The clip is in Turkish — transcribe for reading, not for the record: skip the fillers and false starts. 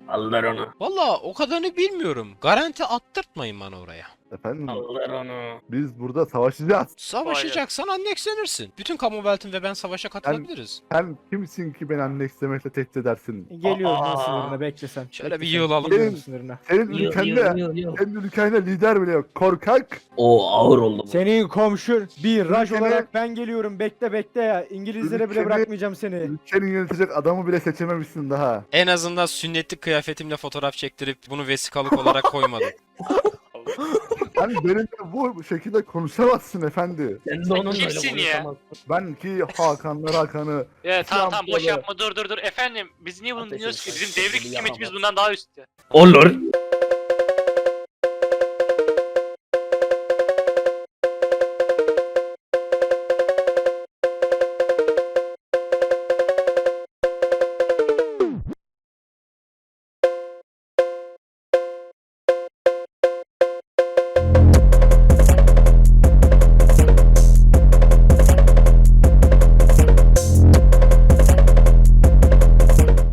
Alır onu. Valla o kadarını bilmiyorum. Garanti attırtmayın bana oraya. Efendim Alır onu. biz burada savaşacağız. Savaşacaksan annekslenirsin. Bütün Commonwealth'in ve ben savaşa katılabiliriz. Sen kimsin ki beni annekslemekle tehdit edersin? Geliyorum Aa. lan sınırına, bekle sen. Şöyle Bekle bir sen. yığılalım. Geliyorum sınırına. Senin Yıl, ülkende, senin ülkende lider bile yok. Korkak. O ağır oldu bu. Senin komşun bir raj Ülkene- olarak ben geliyorum, bekle ya. İngilizlere bile Ülkene- bırakmayacağım seni. Ülkeni yönetecek adamı bile seçememişsin daha. En azından sünnetlik kıyafetimle fotoğraf çektirip bunu vesikalık olarak koymadım. Sen benimle bu şekilde konuşamazsın efendi. Sen de onunla öyle kimsin ya? konuşamazsın. Ben ki Hakan'ı Evet tamam İslam boş kolu. yapma dur. Efendim biz niye bunu Ateş dinliyoruz ki? etmez. Bizim devrik Bunu hükümetimiz yapamaz. bundan daha üstte. Olur.